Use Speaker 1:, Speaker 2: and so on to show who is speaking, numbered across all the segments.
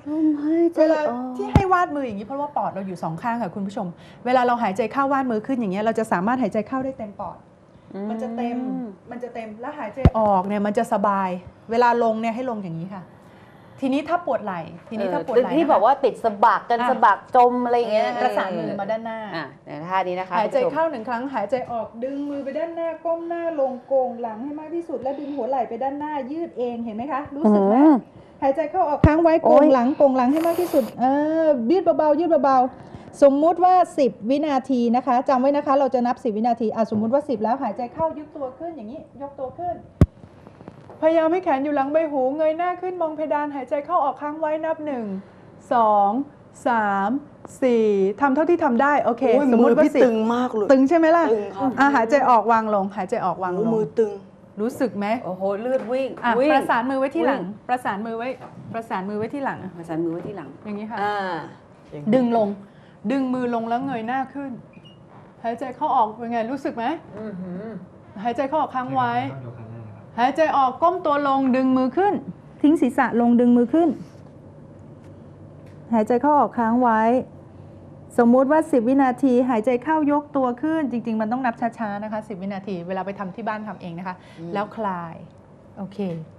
Speaker 1: เวลาที่ให้วาดมืออย่างนี้เพราะว่าปอดเราอยู่2ข้างค่ะคุณผู้ชมเวลาเราหายใจเข้าวาดมือขึ้นอย่างเงี้ยเราจะสามารถหายใจเข้าได้เต็มปอดมันจะเต็มแล้วหายใจออกเนี่ยมันจะสบายเวลาลงเนี่ยให้ลงอย่างนี้ค่ะทีนี้ถ้าปวดไหล่
Speaker 2: ที่บอกว่าติดสะบักกันสะบักจมอะไรอย่างเงี้ย
Speaker 1: ประสานมือมาด้านหน้า
Speaker 2: ท่านี้นะคะ
Speaker 1: หายใจเข้า1 ครั้งหายใจออกดึงมือไปด้านหน้าก้มหน้าลงโกงหลังให้มากที่สุดแล้วดึงหัวไหล่ไปด้านหน้ายืดเองเห็นไหมคะรู้สึกไหมหายใจเข้าออกค้างไว้โกงหลังให้มากที่สุดยืดเบาๆยืดเบาๆสมมุติว่า10 วินาทีนะคะจำไว้นะคะเราจะนับ10 วินาทีสมมุติว่า10แล้วหายใจเข้ายกตัวขึ้นอย่างนี้ยกตัวขึ้นพยายามให้แขนอยู่หลังใบหูเงยหน้าขึ้นมองเพดานหายใจเข้าออกค้างไว้นับ1 2 3 4ทำเท่าที่ทำได้โอเคสมมติว่า10ตึงมากเลยตึงใช่ไหมล่ะหายใจออกวางลงหายใจออกวางลงมือตึงรู้สึกไหม
Speaker 2: โอ้โหเลือดวิ่ง
Speaker 1: ประสานมือไว้ที่หลังประสานมือไว้ที่หลังอย่างนี้ค่ะดึงลงดึงมือลงแล้วเงยหน้าขึ้นหายใจเข้าออกเป็นไงรู้สึกไหมหายใจเข้าออกค้างไว้หายใจออกก้มตัวลงดึงมือขึ้นทิ้งศีรษะลงดึงมือขึ้นหายใจเข้าออกค้างไว้สมมุติว่า10 วินาทีหายใจเข้ายกตัวขึ้นจริงๆมันต้องนับช้าๆนะคะ10 วินาทีเวลาไปทำที่บ้านทำเองนะคะแล้วคลายโอเค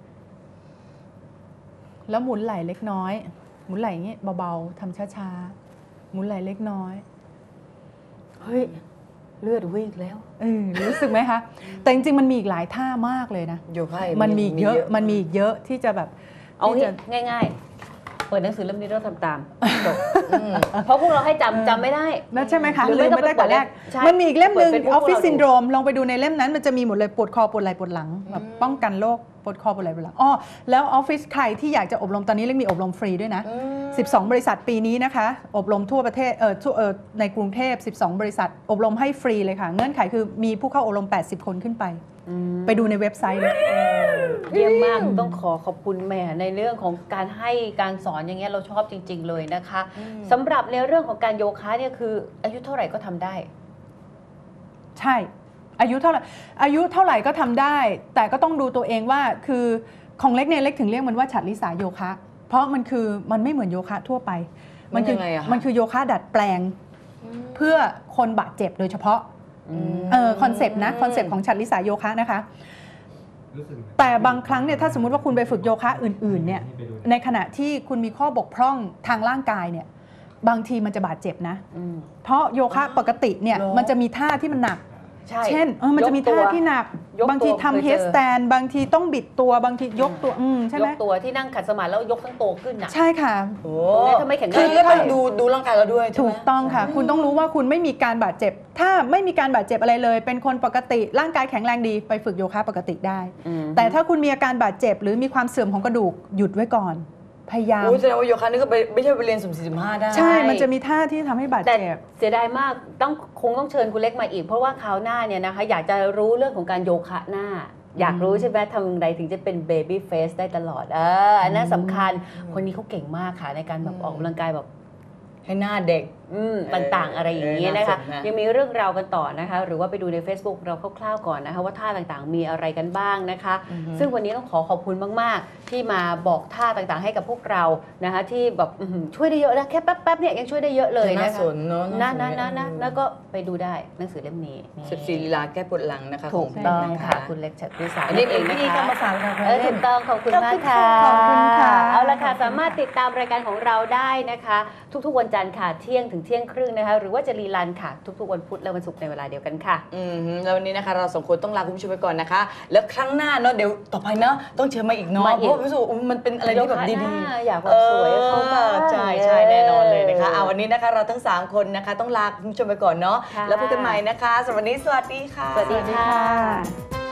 Speaker 1: แล้วหมุนไหล่เล็กน้อยหมุนไหล่อย่างนี้เบาๆทำช้าๆหมุนไหล่เล็กน้อย
Speaker 2: เฮ้ยเลือดวิ่งแล้ว
Speaker 1: รู้สึกไหมคะแต่จริงๆมันมีอีกหลายท่ามากเลยนะมันมีเยอะที่จะแบบ
Speaker 2: เอาง่ายๆเปิดหนังสือเล่มนี้เราทำตามเพราะพวกเราให้จำไม่ได้
Speaker 1: ใช่ไหมคะลืมไม่ได้แต่แรกมันมีอีกเล่มหนึ่งออฟฟิศซินโดรมลองไปดูในเล่มนั้นมันจะมีหมดเลยปวดคอปวดไหล่ปวดหลังแบบป้องกันโรคปวดคอปวดไหล่ปวดหลังแล้วออฟฟิศใครที่อยากจะอบรมตอนนี้เรียกมีอบรมฟรีด้วยนะ12 บริษัทปีนี้นะคะอบรมทั่วประเทศในกรุงเทพ12 บริษัทอบรมให้ฟรีเลยค่ะเงื่อนไขคือมีผู้เข้าอบรม80 คนขึ้นไปดูในเว็บไซต์เลย
Speaker 2: เยี่ยมมากต้องขอบคุณแม่ในเรื่องของการให้การสอนอย่างเงี้ยเราชอบจริงๆเลยนะคะสำหรับในเรื่องของการโยคะเนี่ยคืออายุเท่าไหร่ก็ทำได้
Speaker 1: ใช่อายุเท่าไหร่ก็ทำได้แต่ก็ต้องดูตัวเองว่าคือของเล็กเนี่ยเล็กถึงเรียกมันว่าฉัตรลิสาโยคะเพราะมันไม่เหมือนโยคะทั่วไปมันคือโยคะดัดแปลงเพื่อคนบาดเจ็บโดยเฉพาะคอนเซปต์ของฉัตรลิสาโยคะนะคะแต่บางครั้งเนี่ยถ้าสมมุติว่าคุณไปฝึกโยคะอื่นๆเนี่ยในขณะที่คุณมีข้อบกพร่องทางร่างกายเนี่ยบางทีมันจะบาดเจ็บนะเพราะโยคะปกติเนี่ยมันจะมีท่าที่มันหนักเช่นมันจะมีท่าที่หนักบางทีทำเฮดสแตนบางทีต้องบิดตัวบางทียกตัวใช่ไหม
Speaker 2: ยกตัวที่นั่งขัดสมาธิแล้วยกทั้งตัวขึ้นนะ
Speaker 1: ใช่ค่ะ
Speaker 2: ถ้าไม่แข็งแรงก็
Speaker 3: ต้องดูร่างกายเราด้วย
Speaker 1: ถูกต้องค่ะคุณต้องรู้ว่าคุณไม่มีการบาดเจ็บถ้าไม่มีการบาดเจ็บอะไรเลยเป็นคนปกติร่างกายแข็งแรงดีไปฝึกโยคะปกติได้แต่ถ้าคุณมีอาการบาดเจ็บหรือมีความเสื่อมของกระดูกหยุดไว้ก่อนพยายาม
Speaker 3: แสดงว่าโยคะนี่ก็ไม่ใช่ไปเรียนสุ่ม4-5ได้
Speaker 1: ใช่มันจะมีท่าที่ทำให้บาดเจ็บ
Speaker 2: เสียดายมากคงต้องเชิญคุณเล็กมาอีกเพราะว่าคราวหน้าเนี่ยนะคะอยากจะรู้เรื่องของการโยคะหน้าอยากรู้ใช่ไหมทำอย่างไรถึงจะเป็นเบบี้เฟสได้ตลอดอันนั้นสำคัญคนนี้เขาเก่งมากค่ะในการแบบออกกำลังกายแบบ
Speaker 3: ให้หน้าเด็ก
Speaker 2: ต่างๆอะไรอย่างนี้นะคะยังมีเรื่องราวกันต่อนะคะหรือว่าไปดูใน Facebook เราคร่าวๆก่อนนะคะว่าท่าต่างๆมีอะไรกันบ้างนะคะซึ่งวันนี้ต้องขอบคุณมากๆที่มาบอกท่าต่างๆให้กับพวกเรานะคะที่แบบช่วยได้เยอะนะแค่แป๊บๆเนี่ยยังช่วยได้เยอะเลยนะคะนะแล้วก็ไปดูได้หนังสือเล่มนี้
Speaker 3: 14 ลีลาแก้ปวดหลังนะคะ
Speaker 2: ถูกต้องค่ะคุณเล็กฉัตรวิสา
Speaker 3: อันนี้เองที่ก็มาฝากเรา
Speaker 2: ถูกต้องขอบคุณมากค่ะ
Speaker 1: ขอบคุณค่ะ
Speaker 2: เอาละค่ะสามารถติดตามรายการของเราได้นะคะทุกๆวันจันทร์ค่ะเที่ยงถึงเที่ยงครึ่งนะคะหรือว่าจะรีลันค่ะทุกๆวันพุธและวันศุกร์ในเวลาเดียวกันค่ะ
Speaker 3: แล้ววันนี้นะคะเรา2 คนต้องลาคุณผู้ชมไปก่อนนะคะแล้วครั้งหน้าเนาะเดี๋ยวต่อไปเนาะต้องเชิญมาอีกเนาะเพราะรู้สึกมันเป็นอะไรที่แบบดี
Speaker 2: ๆอยากแบบสวยเขา
Speaker 3: ใช่แน่นอนเลยนะคะวันนี้นะคะเราทั้ง3 คนนะคะต้องลาคุณผู้ชมไปก่อนเนาะแล้วพบกันใหม่นะคะสวัสดีค่ะ
Speaker 2: สวัสดีค่ะ